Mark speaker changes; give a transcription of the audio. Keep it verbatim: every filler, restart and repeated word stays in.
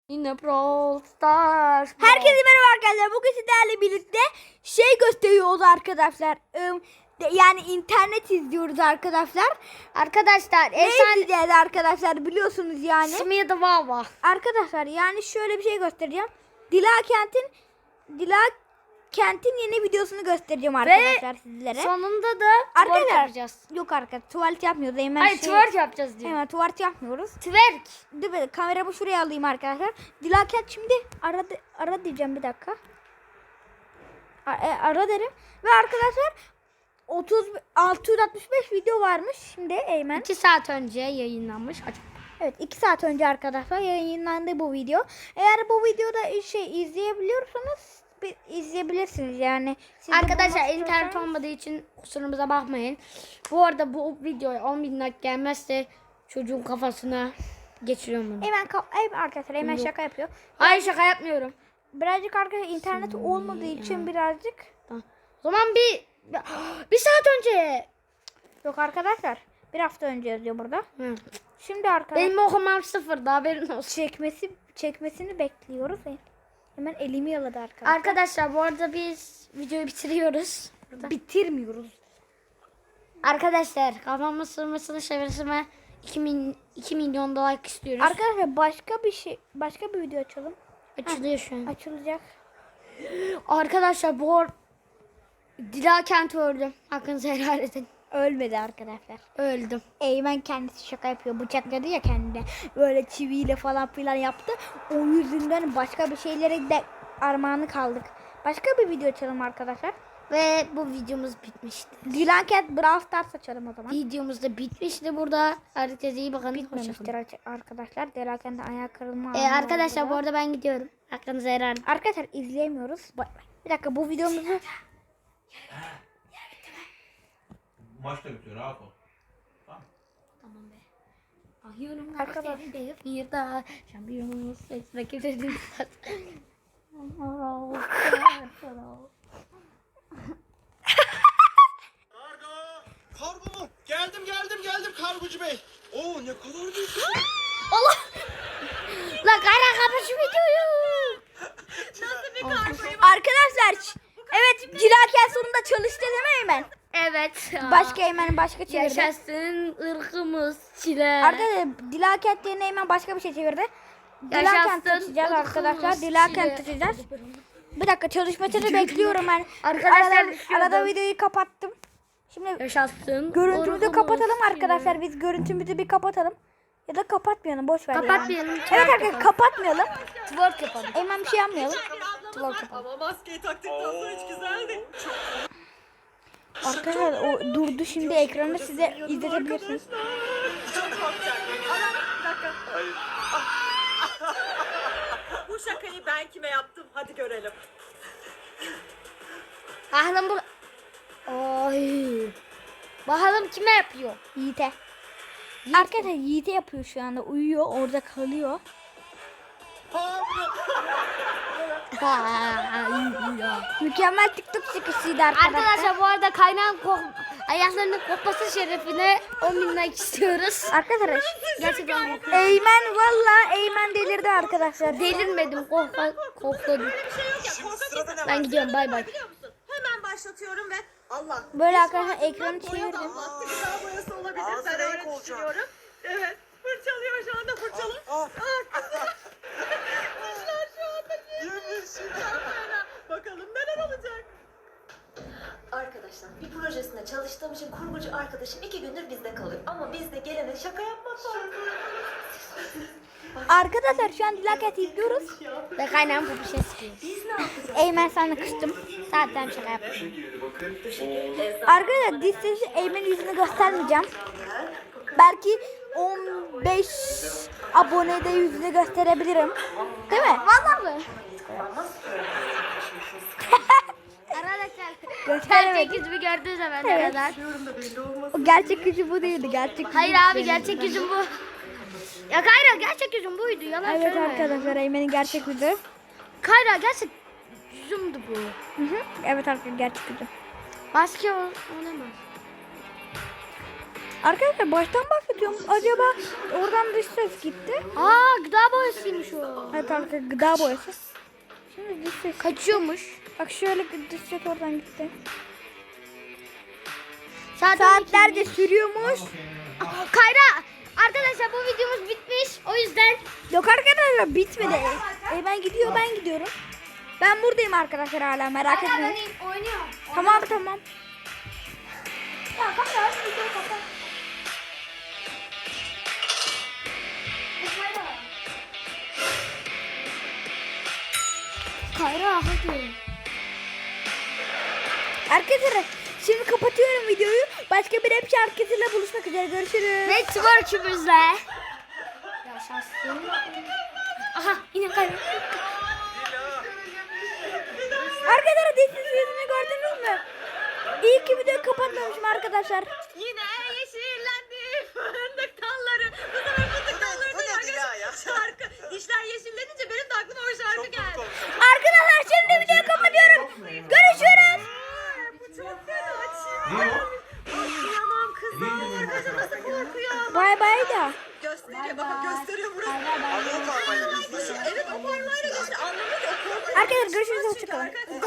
Speaker 1: Yine Brawl Stars.
Speaker 2: Herkese merhaba arkadaşlar. Bugün sizlerle birlikte şey gösteriyoruz arkadaşlar. Im, de- Yani internet izliyoruz arkadaşlar.
Speaker 1: Arkadaşlar
Speaker 2: Ne
Speaker 1: efsane
Speaker 2: izleyeceğiz arkadaşlar biliyorsunuz yani.
Speaker 1: ismi de Vava.
Speaker 2: Arkadaşlar yani şöyle bir şey göstereceğim. Dila Kent'in Dila Kent'in yeni videosunu göstereceğim arkadaşlar sizlere.
Speaker 1: Sonunda da twerk
Speaker 2: Arkadaşlar
Speaker 1: yapacağız.
Speaker 2: yok arkadaşlar tuvalet yapmıyoruz. Hemen
Speaker 1: Hayır
Speaker 2: şey,
Speaker 1: twerk yapacağız diyor.
Speaker 2: Hemen tuvalet yapmıyoruz.
Speaker 1: Twerk.
Speaker 2: Dur bir kameramı şuraya alayım arkadaşlar. Dila Kent şimdi ara, ara diyeceğim bir dakika. Ara, e, ara derim. Ve arkadaşlar otuz altı yüz altmış beş video varmış. Şimdi Eymen.
Speaker 1: iki saat önce yayınlanmış. Aç.
Speaker 2: Evet iki saat önce arkadaşlar yayınlandı bu video. Eğer bu videoda şey izleyebiliyorsanız bir izleyebilirsiniz yani. Siz de
Speaker 1: Arkadaşlar
Speaker 2: bulmak
Speaker 1: internet
Speaker 2: istiyorsanız-
Speaker 1: olmadığı için kusurumuza bakmayın. Bu arada bu videoya on bin like gelmezse çocuğun kafasına geçiriyorum bunu.
Speaker 2: Eymen, ka- Eymen arkadaşlar Eymen şaka yapıyor.
Speaker 1: Hayır şaka yapmıyorum.
Speaker 2: Birazcık arkadaşlar internet olmadığı için birazcık.
Speaker 1: Tamam. O zaman bir bir saat önce.
Speaker 2: Yok arkadaşlar bir hafta önce yazıyor burada.
Speaker 1: Hı.
Speaker 2: Şimdi arkadaşlar
Speaker 1: Benim okumam sıfırdı, haberin olsun.
Speaker 2: çekmesi çekmesini bekliyoruz. Hemen elimi yaladı arkadaşlar.
Speaker 1: Arkadaşlar bu arada biz videoyu bitiriyoruz. Burada.
Speaker 2: Bitirmiyoruz.
Speaker 1: Arkadaşlar kafamın sırmasını çevirsime iki milyon da like istiyoruz.
Speaker 2: Arkadaşlar başka bir şey başka bir video açalım.
Speaker 1: Açılıyor şu an.
Speaker 2: Açılacak.
Speaker 1: Arkadaşlar bu ar- Dila Kent öldüm. Hakkınızı helal edin.
Speaker 2: Ölmedi arkadaşlar.
Speaker 1: Öldüm.
Speaker 2: Eymen kendisi şaka yapıyor. Bıçakladı ya kendine. Böyle çiviyle falan filan yaptı. O yüzünden başka bir şeylere de armağanı kaldık. Başka bir video açalım arkadaşlar.
Speaker 1: Ve bu videomuz bitmişti.
Speaker 2: Dilan Cat Brawl Stars açalım o zaman.
Speaker 1: Videomuz da bitmişti burada. Herkese iyi bakın.
Speaker 2: Bitmemiştir arkadaşlar. Dilan Cat'in ayağı kırılma.
Speaker 1: Ee,
Speaker 2: anı
Speaker 1: arkadaşlar
Speaker 2: oldu
Speaker 1: bu
Speaker 2: da.
Speaker 1: arada ben gidiyorum. Hakkınızı helal edin.
Speaker 2: Arkadaşlar izleyemiyoruz. Bay bay. Bir dakika bu videomuzu
Speaker 3: Maç da bitiyor, rahat ol. Tamam.
Speaker 1: Tamam be. Ahıyorum
Speaker 2: Arkadaşlar.
Speaker 1: bir daha şampiyonuz ses rakipleri.
Speaker 4: Kargo! Kargo mu? Geldim geldim geldim kargocu bey. Oo ne kadar büyük.
Speaker 1: Allah! La kara kapı şu videoyu.
Speaker 2: arkadaşlar evet Dilan Cat sonunda çalıştı değil mi Eymen?
Speaker 1: Evet.
Speaker 2: Başka Eymen başka çevirdi.
Speaker 1: Yaşasın ırkımız çile.
Speaker 2: Arkadaşlar Dilan Cat yerine Eymen başka bir şey çevirdi. Dilan Cat
Speaker 1: Yaşasın
Speaker 2: taşıyacağız
Speaker 1: ırkımız
Speaker 2: arkadaşlar. Dilan
Speaker 1: çile.
Speaker 2: Cat taşıyacağız. Bir dakika çalışmasını bekliyorum ben.
Speaker 1: Arkadaşlar
Speaker 2: arada,
Speaker 1: düşüyordum.
Speaker 2: arada videoyu kapattım. Şimdi
Speaker 1: Yaşasın
Speaker 2: görüntümüzü
Speaker 1: ırkımız
Speaker 2: kapatalım
Speaker 1: çile.
Speaker 2: arkadaşlar. Biz görüntümüzü bir kapatalım. Ya da kapatmayalım boş ver. ya.
Speaker 1: Kapatmayalım.
Speaker 2: Evet
Speaker 1: twerk
Speaker 2: arkadaşlar
Speaker 1: yapalım.
Speaker 2: kapatmayalım.
Speaker 1: Twerk yapalım.
Speaker 2: Eymen bir şey yapmayalım.
Speaker 1: Twerk yapalım.
Speaker 4: Ama maskeyi taktıktan sonra hiç güzeldi.
Speaker 2: Arkadaşlar o durdu şimdi ekranı size izletebilirsiniz.
Speaker 4: Çok korkacak. Ana bir dakika. Hayır. Bu şakayı ben kime yaptım? Hadi görelim.
Speaker 1: Bakalım bu... Ay. Bakalım kime yapıyor?
Speaker 2: Yiğit'e. Arkadaşlar Yiğit'e yapıyor şu anda. Uyuyor orada kalıyor. Mükemmel TikTok çıkışıydı arkadaşlar.
Speaker 1: Arkadaşlar bu arada kaynağın kok ayaklarının kokması şerefine on bin like istiyoruz.
Speaker 2: Arkadaşlar
Speaker 1: Gerçekten kokuyor.
Speaker 2: Eymen valla Eymen delirdi arkadaşlar.
Speaker 1: Delirmedim, kokla, kokladım. Ben gidiyorum, bay bay.
Speaker 4: Biliyor musun? Hemen başlatıyorum ve Allah.
Speaker 2: Böyle arkadaşlar ekranı
Speaker 4: Boya
Speaker 2: çevirdim.
Speaker 4: damlattı. Gıda boyası olabilir. Ben öyle düşünüyorum. Evet. Fırçalıyor şu anda fırçalı. Ah, güzel. Dişler şu anda yemiş. Bakalım neler olacak.
Speaker 5: Arkadaşlar bir projesinde çalıştığım için kurgucu arkadaşım iki gündür bizde kalıyor. Ama biz de gelene şaka yapmak var.
Speaker 2: Arkadaşlar şu an Dilaket izliyoruz.
Speaker 1: Ve kaynağım bu bir şey sıkıyor.
Speaker 5: Biz ne yapacağız?
Speaker 2: Eymen sana kıstım. Zaten şaka yaptım.
Speaker 5: Lezzet
Speaker 2: Arkadaşlar diş sesi Eymen'in yüzünü göstermeyeceğim. Belki on beş abonede yüzünü gösterebilirim. Değil mi?
Speaker 1: Vallahi mı?
Speaker 5: olmaz.
Speaker 1: Arkadaşlar
Speaker 2: Gösteremedim.
Speaker 1: gerçek yüzümü gördüğünüz zaman ne
Speaker 2: Evet.
Speaker 1: kadar?
Speaker 2: O gerçek yüzü bu değildi. Gerçek yüzü
Speaker 1: Hayır abi gerçek yüzüm bu. Ya Kayra gerçek yüzüm buydu, yalan
Speaker 2: Evet
Speaker 1: söyleme.
Speaker 2: arkadaşlar Eymen'in gerçek yüzü.
Speaker 1: Kayra gerçek yüzümdü bu.
Speaker 2: Hı hı. Evet arkadaşlar gerçek yüzü.
Speaker 1: Maske ol- olamaz.
Speaker 2: Arkadaşlar baştan başlatıyorum. Acaba oradan dış ses gitti.
Speaker 1: Aa gıda boyasıymış o.
Speaker 2: Evet arkadaşlar gıda boyası. Şimdi dış ses.
Speaker 1: Kaçıyormuş.
Speaker 2: Bak şöyle dış ses oradan gitti.
Speaker 1: Saat
Speaker 2: Saatlerce sürüyormuş.
Speaker 1: Kayra arkadaşlar bu videomuz bitmiş. O yüzden
Speaker 2: Yok arkadaşlar bitmedi. E, ben gidiyor ben gidiyorum. Ben buradayım arkadaşlar hala merak etmeyin.
Speaker 1: oynuyorum.
Speaker 2: Tamam tamam.
Speaker 1: Ya kapat videoyu kapat. Kayra hadi.
Speaker 2: Arkadaşlar şimdi kapatıyorum videoyu. Başka bir rap şarkısıyla buluşmak üzere. Görüşürüz.
Speaker 1: Ve twerk'ümüzle. Yaşasın. Aha yine Kayra.
Speaker 2: Arkadaşlar dişsiz yüzünü gördünüz mü? İyi ki videoyu kapatmamışım arkadaşlar.
Speaker 4: Yine yeşillendi fındık dalları. Bu sefer fındık dalları
Speaker 6: bu ne Dila ya?
Speaker 4: şarkı. Dişler yeşillenince benim de aklıma o şarkı geldi.
Speaker 2: Arkadaşlar şimdi videoyu kapatıyorum. Görüşürüz.
Speaker 4: Bu çok fena. Çiğ. Korkuyamam kızlar. Kızı nasıl korkuyor?
Speaker 2: Bay bay da.
Speaker 4: Gösteriyor bakın gösteriyor burası.
Speaker 6: Abi o parmayla gösteriyor.
Speaker 4: Evet o parmağıyla gösteriyor. Anlamıyor ki o korkuyor.
Speaker 2: Arkadaşlar görüşürüz. Hoşçakalın.